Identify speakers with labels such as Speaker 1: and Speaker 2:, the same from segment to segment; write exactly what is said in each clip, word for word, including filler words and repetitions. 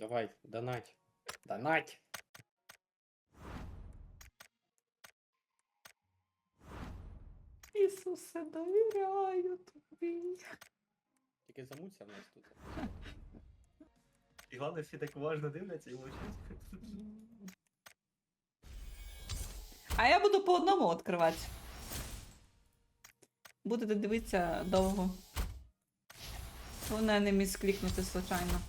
Speaker 1: Давай, донать. Донать!
Speaker 2: Ісусе, довіряю тобі.
Speaker 1: Тільки замуться в нас тут.
Speaker 3: І головне, всі так уважно дивляться і мовчать.
Speaker 2: А я буду по одному відкривати. Будете дивитися довго. Вона не міг клікнути случайно.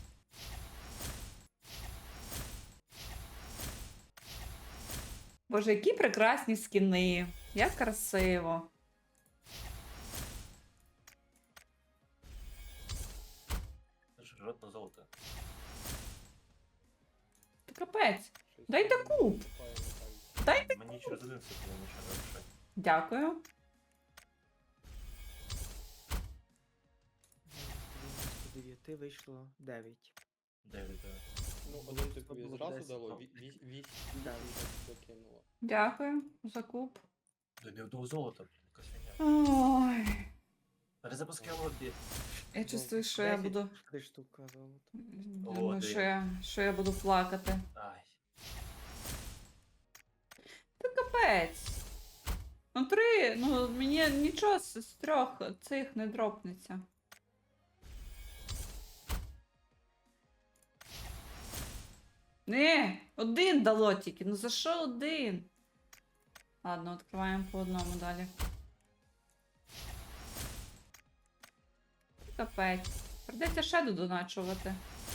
Speaker 2: Боже, які прекрасні скіни. Як красиво.
Speaker 3: Жодне золото.
Speaker 2: Та капець.
Speaker 1: Щось
Speaker 2: Дайте
Speaker 1: там
Speaker 2: куб.
Speaker 1: наступає, Михайло.
Speaker 2: Дайте.
Speaker 3: Мені через один секунд нічого не вирішать.
Speaker 2: Дякую.
Speaker 4: дев'яносто дев'ять вийшло дев'ять.
Speaker 3: Дев'ять, так.
Speaker 1: Ну, один тобі
Speaker 4: було
Speaker 1: зразу
Speaker 4: десять.
Speaker 1: дало, ві- ві- вісім
Speaker 4: Да.
Speaker 1: закинуло.
Speaker 2: Дякую за куб.
Speaker 3: До ні одного золота, якась фігня.
Speaker 2: Ой.
Speaker 3: Перезапускай лобі.
Speaker 2: Я чувствую, що я
Speaker 4: десять.
Speaker 2: буду.
Speaker 4: Три штуки золота.
Speaker 2: Думаю,
Speaker 3: О,
Speaker 2: що я, що я буду плакати.
Speaker 3: Ай.
Speaker 2: Та капець. Ну три, ну мені нічого з, з трьох цих не дропнеться. Не, один дало тільки. Ну за що один? Ладно, відкриваємо по одному далі. Капець. Придеться ще додоначувати.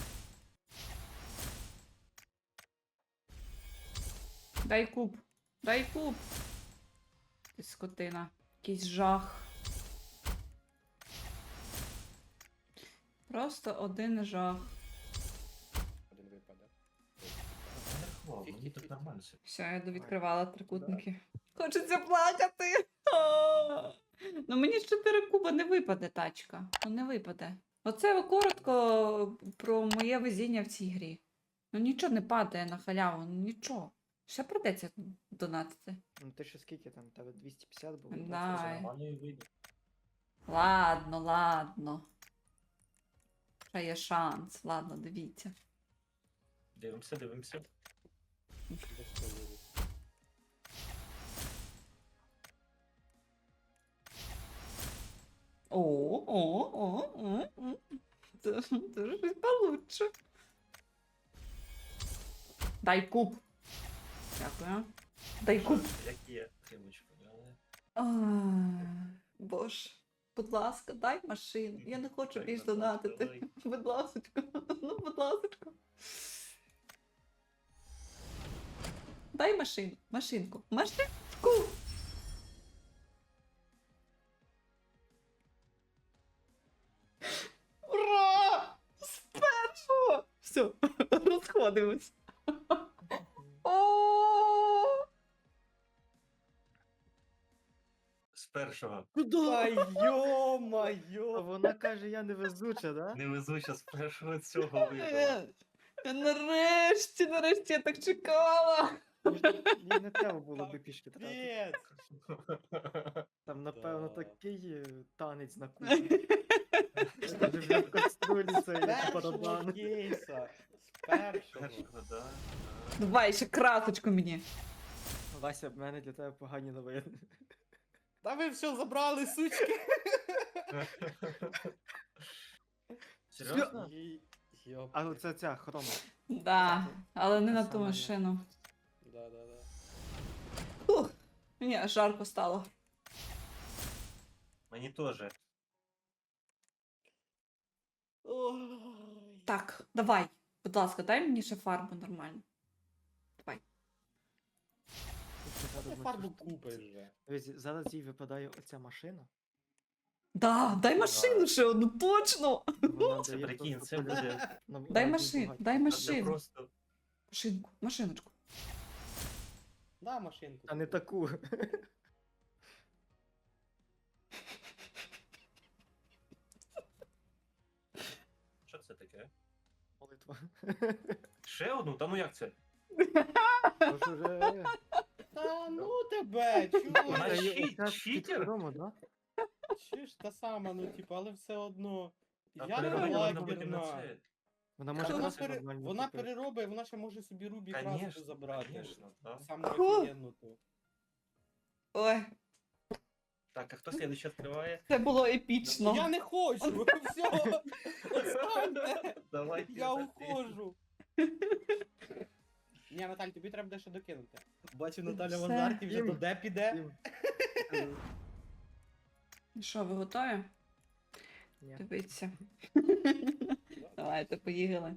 Speaker 2: Дай куб. Дай куб. Ти скотина. Якийсь жах. Просто один жах.
Speaker 1: Один випаде.
Speaker 3: Не рахував, мені тут нормально все.
Speaker 2: Все, я довідкривала трикутники. Хочеться плакати. А! Ну мені з чотири куба не випаде тачка. Ну не випаде. Оце коротко про моє везіння в цій грі. Ну нічого не падає на халяву, ну нічого. Ще придеться донатити.
Speaker 4: Ну ти ще скільки там? Тебе двісті п'ятдесят було?
Speaker 2: Да.
Speaker 3: Це
Speaker 2: Ай.
Speaker 3: нормально і вийде.
Speaker 2: Ладно, ладно. Ще є шанс. Ладно, дивіться.
Speaker 3: Дивимося, дивимося.
Speaker 1: Без колоди.
Speaker 2: О, о, о, о, о. Це, це ж щось получше. Дай куб. Дякую. Дай куб.
Speaker 3: Як є, химочку, але...
Speaker 2: Ай, Боже, будь ласка, дай машину. Я не хочу
Speaker 3: Дай,
Speaker 2: більш
Speaker 3: будь ласка,
Speaker 2: донатити.
Speaker 3: дай.
Speaker 2: Будь ласка, ну, будь ласка. Дай машину, машинку, машинку. Ура! З першого! Все, розходимось. О!
Speaker 3: З першого.
Speaker 1: Та
Speaker 4: А
Speaker 1: йо-майо!
Speaker 4: вона каже, я невезуча, да?
Speaker 3: Невезуча з першого цього вибила.
Speaker 2: Е, Нарешті, нарешті я так чекала.
Speaker 4: Їй не треба було би пішки тратити.
Speaker 1: Капець!
Speaker 4: Там, напевно,
Speaker 1: Да.
Speaker 4: такий е, танець на кухні. Вже в каструлі цей
Speaker 1: Першого
Speaker 4: барабан.
Speaker 1: кейса! З першого!
Speaker 3: Першого, да.
Speaker 2: Давай ще красочку мені.
Speaker 4: Вася, в мене для тебе погані новини.
Speaker 1: Та ви все забрали, сучки!
Speaker 3: Серйозно?
Speaker 1: Й- Йоп.
Speaker 4: А оце ця хрома.
Speaker 2: Да, але не
Speaker 4: Та
Speaker 2: на
Speaker 4: сама
Speaker 2: ту
Speaker 4: я.
Speaker 2: машину.
Speaker 1: Да, да, да.
Speaker 2: Ух, мені аж жарко стало.
Speaker 3: Мені теж.
Speaker 1: Ой.
Speaker 2: Так, давай, будь ласка, дай мені ще фарбу нормально. Давай.
Speaker 4: Ти що
Speaker 1: Ти
Speaker 4: зараз
Speaker 1: фарбу
Speaker 4: бачиш?
Speaker 1: купиш вже.
Speaker 4: Дивись, зараз їй випадає оця машина.
Speaker 2: Да, дай машину ще одну, точно!
Speaker 4: Вона
Speaker 3: Це
Speaker 4: дає
Speaker 3: прикинь,
Speaker 4: просто
Speaker 3: це
Speaker 4: полюс.
Speaker 3: буде...
Speaker 4: Нам-
Speaker 2: Дай
Speaker 4: нам
Speaker 2: машину,
Speaker 4: багато.
Speaker 2: дай
Speaker 3: Це
Speaker 2: машину.
Speaker 3: просто...
Speaker 2: Машинку, машиночку.
Speaker 1: На машинку.
Speaker 4: А не таку.
Speaker 3: Що це таке?
Speaker 4: Молитва.
Speaker 3: Ще одну? Та ну як це?
Speaker 4: Тож уже...
Speaker 1: Та ну тебе,
Speaker 3: Вона
Speaker 1: чуєш?
Speaker 3: щит-
Speaker 4: Оця
Speaker 3: читер?
Speaker 4: підхрома, да?
Speaker 1: Чуєш, та сама, ну типу, але все одно.
Speaker 3: Та
Speaker 1: Я не
Speaker 3: переробити можна буде на
Speaker 1: лагерна.
Speaker 3: це.
Speaker 4: Вона
Speaker 1: Та
Speaker 4: може
Speaker 1: Вона,
Speaker 4: красу
Speaker 1: пере...
Speaker 4: нормально
Speaker 1: вона
Speaker 4: купити.
Speaker 1: переробить, вона ще може собі Рубі красу
Speaker 3: Конечно,
Speaker 1: забрати.
Speaker 3: конечно, да.
Speaker 1: Саму
Speaker 2: Фу.
Speaker 1: офігенну ту.
Speaker 2: Ой,
Speaker 3: Так, а хто слідуючий відкриває?
Speaker 2: це було епічно.
Speaker 1: Я не хочу! Все! Отстаньте!
Speaker 3: Давай.
Speaker 1: Я уходжу! Ні, Наталь, тобі треба дещо докинути. Бачу, Наталя в
Speaker 2: Все.
Speaker 1: азарті вже
Speaker 4: Їм.
Speaker 1: до де піде.
Speaker 4: Їм.
Speaker 2: Що, ви готові?
Speaker 4: Ні.
Speaker 2: Дивіться. Давайте, поїхали.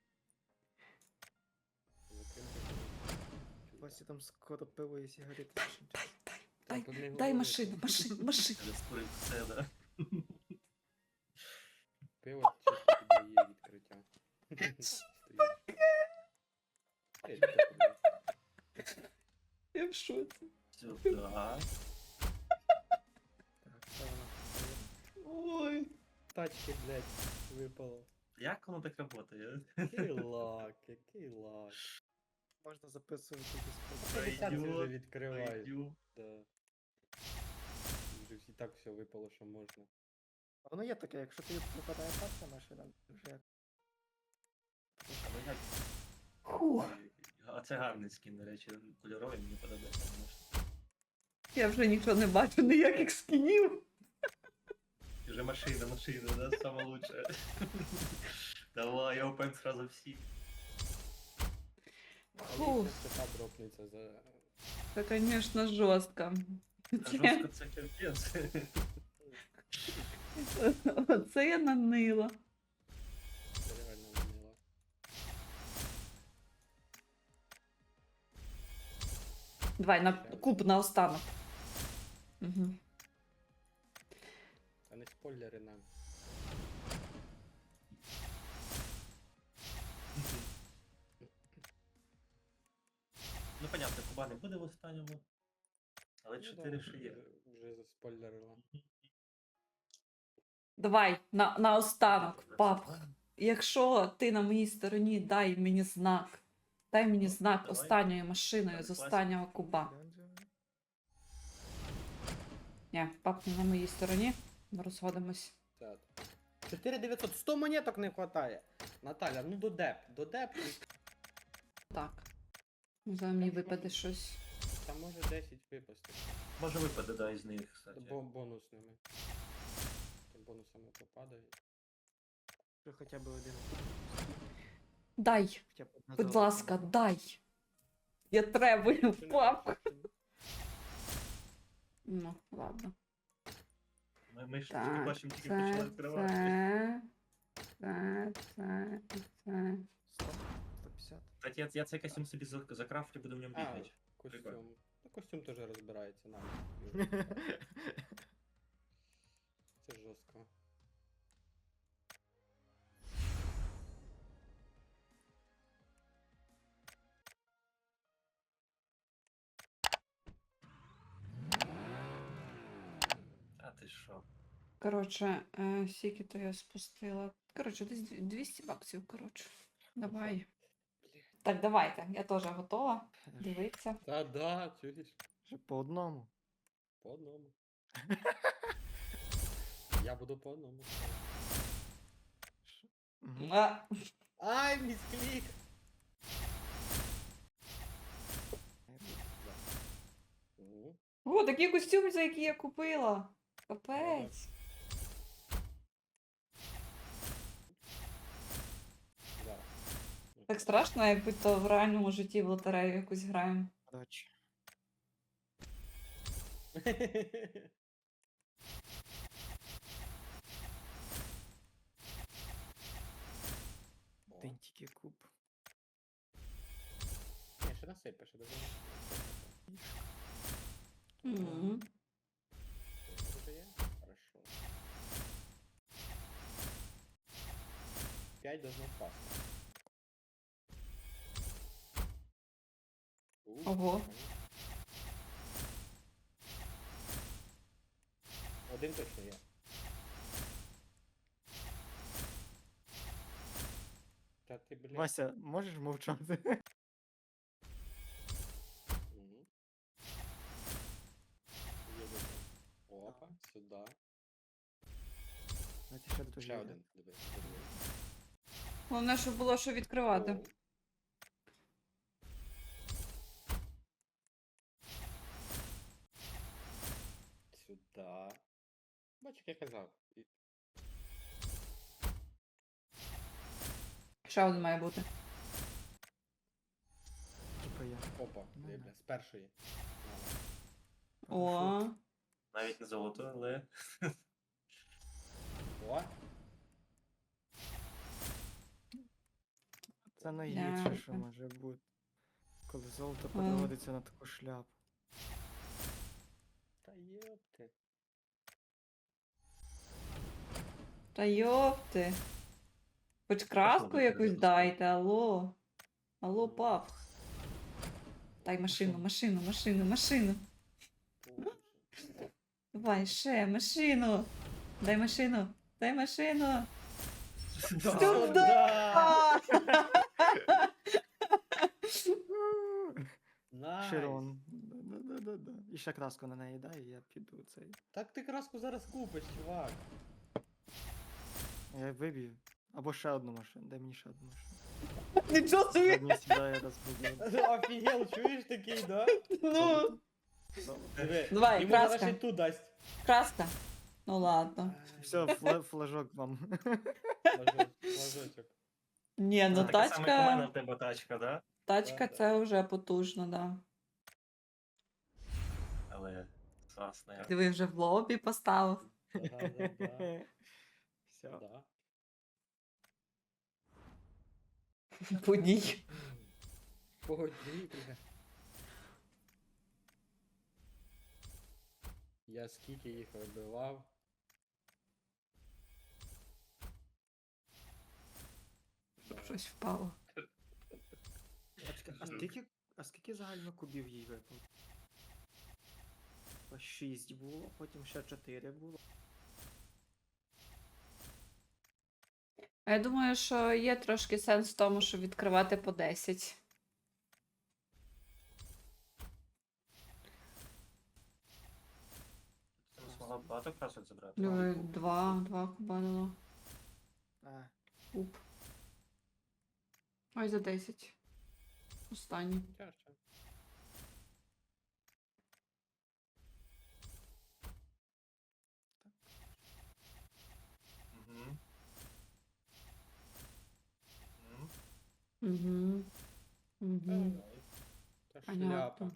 Speaker 4: Вася там скоро пиво і сигарети.
Speaker 2: Дай,
Speaker 1: Тут не
Speaker 2: дай
Speaker 1: говори.
Speaker 2: машину, машину, машину.
Speaker 3: Це спорить все, да.
Speaker 1: Пиво чисто піддає відкриття.
Speaker 2: Я в шоці.
Speaker 3: Сюди.
Speaker 4: Так, це вона.
Speaker 2: Ой.
Speaker 1: Тачки, блядь, випало.
Speaker 3: Як воно так працює?
Speaker 1: Який лак, який лак.
Speaker 4: Можна записувати десь.
Speaker 1: п'ятдесят
Speaker 3: Пойдет,
Speaker 1: вже відкривають.
Speaker 3: Пойдю.
Speaker 1: Да. Вже і так все випало, що можна.
Speaker 4: А воно є таке, якщо тобі попадає перша машина, вже як.
Speaker 3: А ну як?
Speaker 2: Фух.
Speaker 3: А це гарний скін, до речі, кольоровий, мені подобається. конечно.
Speaker 2: Я вже нічого не бачу, ніяких скінів.
Speaker 3: І вже машина, машина, да, саме лучше. Давай, я опен сразу всі.
Speaker 2: Фух.
Speaker 1: Це та дропниця за...
Speaker 2: Це, звісно, жорстко.
Speaker 3: А жорстко це капець.
Speaker 2: Оце я нанила.
Speaker 1: Це реально ванила.
Speaker 2: Давай, на куб на останок. Угу.
Speaker 1: Та не спойлери нам.
Speaker 3: Ну, понятно, Куба не буде в останньому. Але
Speaker 1: Ну,
Speaker 3: чотири
Speaker 1: да,
Speaker 3: ще є.
Speaker 1: вже- Вже заспойлерила.
Speaker 2: Давай, на, на останок, пап. Якщо ти на моїй стороні, дай мені знак. Дай мені знак
Speaker 3: Давай.
Speaker 2: останньою машиною з
Speaker 3: Давай,
Speaker 2: останнього куба. Ні, пап не на моїй стороні. Ми розходимось.
Speaker 1: чотири дев'ятсот, сто монеток не вистачає. Наталя, ну до деп, до деп, і
Speaker 2: Так. Зараз мені випаде щось.
Speaker 1: там може десять випасти.
Speaker 3: Може випаде, да, із них, кстати.
Speaker 1: Бо бонусними. Там бонусами попадає.
Speaker 4: Що хоча б один.
Speaker 2: Дай,
Speaker 4: Хоча б одна
Speaker 2: будь
Speaker 4: золота.
Speaker 2: ласка, дай. Я требую,
Speaker 1: Що не
Speaker 2: пап.
Speaker 1: бачиш?
Speaker 2: Ну, ладно.
Speaker 3: Ми, ми ж тільки
Speaker 2: Так,
Speaker 3: бачимо, тільки
Speaker 2: це,
Speaker 3: почали відкривати.
Speaker 2: це, це, це, і це.
Speaker 4: сто, сто п'ятдесят.
Speaker 3: Кстати, я, я цей костюм собі за- закрафтю, буду в ньому
Speaker 1: А,
Speaker 3: бігати.
Speaker 1: костюм. Ну, костюм теж розбирається нам. Це жорстко.
Speaker 3: А ти що?
Speaker 2: Коротше, е, скільки то я спустила. Коротше, десь дві- двісті баксів, коротше. Давай. Так, давайте. Я теж готова. Дивіться.
Speaker 1: Та да, чуєш?
Speaker 4: Вже по одному.
Speaker 1: По одному. Я буду по одному.
Speaker 4: Мгм.
Speaker 2: А,
Speaker 1: Ай, місклік! Мгм.
Speaker 2: о, такий костюм, за який я купила. Капець.
Speaker 1: Да.
Speaker 2: Так страшно, якби то в реальному житті в лотерею якусь граємо.
Speaker 4: Коротше.
Speaker 1: О,
Speaker 4: Один тільки куб.
Speaker 1: Ні, ще насипеш, ще даже насипеш.
Speaker 2: Мгм.
Speaker 1: Уже є? Хорошо. П'ять должно впасти. У,
Speaker 2: Ого.
Speaker 1: нормально. Один точно є. Та ти, блядь.
Speaker 4: Вася, можеш мовчати?
Speaker 1: Мгм. Є один. Опа, сюди.
Speaker 4: Знаєте, ще тут
Speaker 1: Ще
Speaker 4: є.
Speaker 1: один. Диви, диви.
Speaker 2: Головне, щоб було що відкривати.
Speaker 1: О. Сюда. Бач, як я казав. І-
Speaker 2: Ще один має бути.
Speaker 4: Типа я.
Speaker 1: Опа,
Speaker 4: Ну,
Speaker 1: бля,
Speaker 4: да.
Speaker 1: з першої.
Speaker 2: О,
Speaker 3: Навіть не золото, але.
Speaker 1: О,
Speaker 4: Це найгірше, що
Speaker 2: Ляпа.
Speaker 4: може бути. Коли золото переводиться на таку шляпу.
Speaker 1: та йопти.
Speaker 2: та йопти. Хоч краску
Speaker 3: буде
Speaker 2: якусь
Speaker 3: перезапуск?
Speaker 2: дайте, алло. Алло, пап. Дай машину, машину, машину, машину.
Speaker 1: Боже.
Speaker 2: Давай, ще, машину. Дай машину. Дай машину.
Speaker 3: Да.
Speaker 1: Сюда!
Speaker 2: А!
Speaker 1: Найс.
Speaker 4: Широн. Да-да-да-да. І ще краску на неї дай, і я піду цей.
Speaker 1: Так ти краску зараз купиш, чувак.
Speaker 4: Я виб'ю. Або ще одну машину. Дай мені ще одну машину.
Speaker 2: Нічого собі.
Speaker 4: Одні сідає розбудив.
Speaker 1: Офігел, чуєш такий, да?
Speaker 2: Ну.
Speaker 1: Диви,
Speaker 2: Давай,
Speaker 1: йому зараз
Speaker 2: краска.
Speaker 1: ще й ту дасть.
Speaker 2: Краска. Ну ладно.
Speaker 4: Все, фла- флажок вам.
Speaker 1: Флажок- Флажочок.
Speaker 2: Ні,
Speaker 3: Це
Speaker 2: ну
Speaker 3: така сама як у мене
Speaker 2: тачка.
Speaker 3: в тебе тачка, да?
Speaker 2: Тачка
Speaker 1: Да,
Speaker 2: це вже потужно, да.
Speaker 3: Але класно. я-
Speaker 2: Диви, вже в лобі поставив.
Speaker 1: Да-да-да.
Speaker 4: Все.
Speaker 1: Да.
Speaker 2: Подій.
Speaker 1: Погоді, бля. Я скільки їх вибивав.
Speaker 2: Щоб щось впало.
Speaker 4: А чекай, А скільки, а скільки загально кубів їй випало? Ось шість було, потім ще чотири було.
Speaker 2: А я думаю, що є трошки сенс в тому, щоб відкривати по десять.
Speaker 3: Ти не змогла багато красок забрати?
Speaker 2: Диви, два, два куба дало.
Speaker 4: А,
Speaker 2: Куб. Ой, за десять. Останній.
Speaker 1: Тяжче.
Speaker 3: Мгм. Мгм.
Speaker 2: Угу. Угу.
Speaker 1: Та
Speaker 2: Понятно.
Speaker 1: шляпа.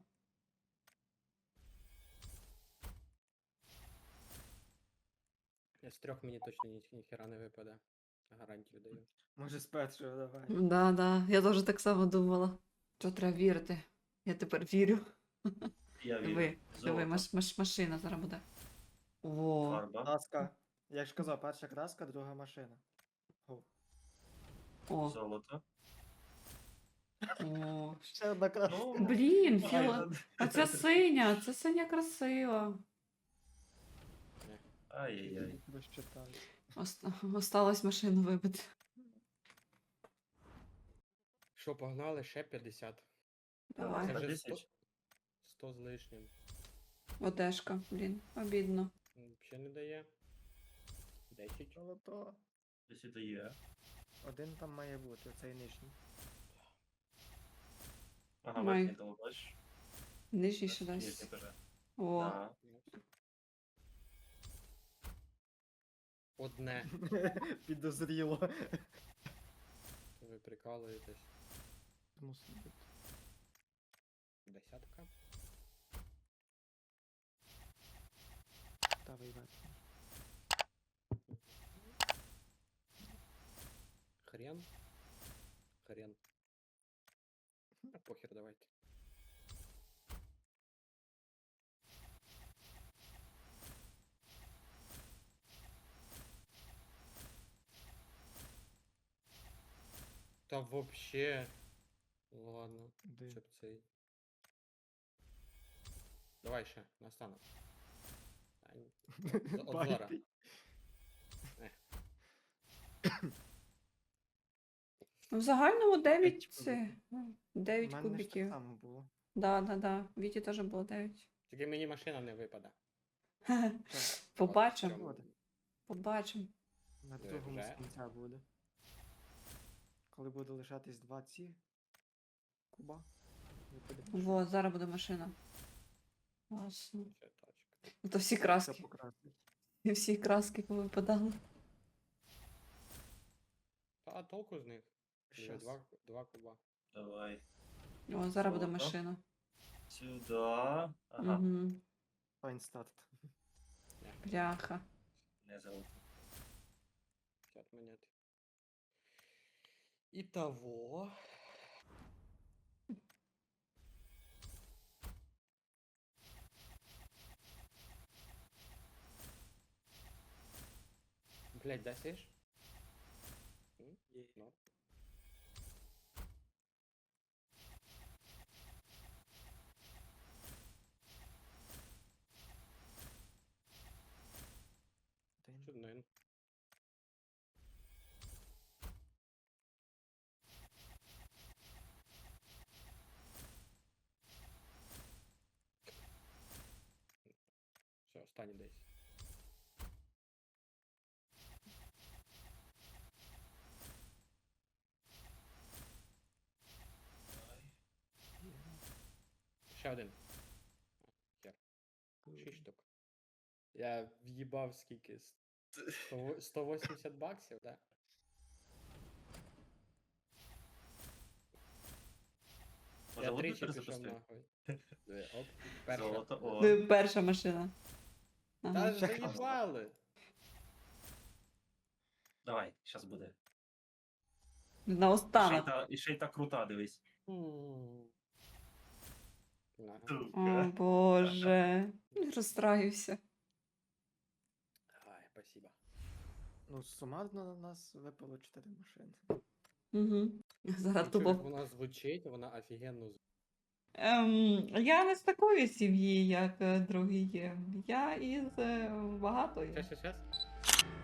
Speaker 1: Я з трьох мені точно ні, ніхера не випаде. Гарантію даю.
Speaker 4: може з першого давай.
Speaker 2: Да, да. Я теж так само думала. Що треба вірити? Я тепер вірю.
Speaker 3: Я вірю.
Speaker 2: Диви, диви,
Speaker 3: Золото.
Speaker 2: маш, маш, машина зараз буде. О,
Speaker 3: Фарба.
Speaker 4: Краска. Я ж казав, перша краска, друга машина. О,
Speaker 2: о,
Speaker 3: Золото.
Speaker 2: о.
Speaker 4: ще одна краска.
Speaker 3: Ну,
Speaker 2: Блін,
Speaker 3: ай,
Speaker 2: філа. А це синя, це синя красива.
Speaker 3: Ай-яй-яй.
Speaker 4: Розчитаю.
Speaker 2: Оста- Осталось машину вибити.
Speaker 1: Що, погнали? Ще п'ятдесят.
Speaker 2: Давай.
Speaker 1: Це вже
Speaker 3: десять.
Speaker 1: сто, сто з лишнім.
Speaker 2: Одежка, блін, обідно.
Speaker 1: Ще не дає. десять.
Speaker 4: Золото.
Speaker 3: Десь і є.
Speaker 4: Один там має бути, оцей нижній.
Speaker 3: Ага,
Speaker 2: Май.
Speaker 3: верхній дало, бачиш?
Speaker 2: Нижній ще
Speaker 3: Нижній
Speaker 2: дасть.
Speaker 3: теж.
Speaker 2: О,
Speaker 3: Да.
Speaker 1: Одне.
Speaker 4: Підозріло.
Speaker 1: Ви прикалуєтесь.
Speaker 4: Мусить бути.
Speaker 1: Десятка.
Speaker 4: Та виймати.
Speaker 1: Хрен. Хрен. А похер, давайте. Та вообще. Ладно,
Speaker 4: Де?
Speaker 1: щоб цей. Давай ще, настанок. А, ні. З- От зора.
Speaker 4: Байтий.
Speaker 2: ну, в загальному дев'ять,
Speaker 4: П'ять
Speaker 2: це,
Speaker 4: кубиків.
Speaker 2: ну,
Speaker 4: У
Speaker 2: дев'ять
Speaker 4: мене ж так
Speaker 2: кубиків.
Speaker 4: само було.
Speaker 2: Да, да, да. Віті теж було дев'ять.
Speaker 1: Тільки мені машина не випаде.
Speaker 4: Так,
Speaker 2: Побачимо.
Speaker 1: От в цьому.
Speaker 4: Буде.
Speaker 2: Побачимо.
Speaker 4: на
Speaker 1: Вже?
Speaker 4: другому з кінця буде. коли буде лишатись два ці куба. випаде
Speaker 2: Во, зараз буде машина. Класно.
Speaker 1: Ще тачка.
Speaker 2: Ну то всі
Speaker 4: все
Speaker 2: краски.
Speaker 4: покрасить.
Speaker 2: І всі краски повипадали.
Speaker 1: А толку з них? Вже
Speaker 4: Щас.
Speaker 1: Два, два куба.
Speaker 3: Давай.
Speaker 2: О, зараз буде
Speaker 3: Золото.
Speaker 2: машина.
Speaker 3: Сюда. Ага,
Speaker 2: Угу.
Speaker 4: Файн старт.
Speaker 2: Бляха.
Speaker 3: не золото.
Speaker 1: п'ять монет. Итого. Блять, да сиш?
Speaker 4: Є.
Speaker 1: Ну.
Speaker 4: Один.
Speaker 1: Чуднин. Все, останній десь.
Speaker 4: Є.
Speaker 1: Ще один. Хер. Шість штук. Я в'їбав скільки? Сто- сто вісімдесят баксів, да?
Speaker 3: Може,
Speaker 1: Я
Speaker 3: одну
Speaker 1: тричі пішов
Speaker 3: перезапустити?
Speaker 1: нахуй. Диви, Оп, перша.
Speaker 3: Золото, о.
Speaker 2: Ну, перша машина. Ага.
Speaker 1: Та заїбали.
Speaker 3: Давай, щас буде.
Speaker 2: На
Speaker 3: І ще й
Speaker 2: останок.
Speaker 3: та, і ще й та крута, дивись.
Speaker 1: М. Ага.
Speaker 2: О,
Speaker 3: Сука.
Speaker 2: Боже. Розстраюся.
Speaker 1: Ай, спасибо.
Speaker 4: Ну, сумарно на нас випало чотири машини.
Speaker 2: Угу. Зараз
Speaker 1: Чую, як
Speaker 2: тупо.
Speaker 1: вона звучить, вона офігенно звучить.
Speaker 2: Ем, я не з такої сім'ї, як е, другі є. Я із е, багатої.
Speaker 1: Щас, щас, щас.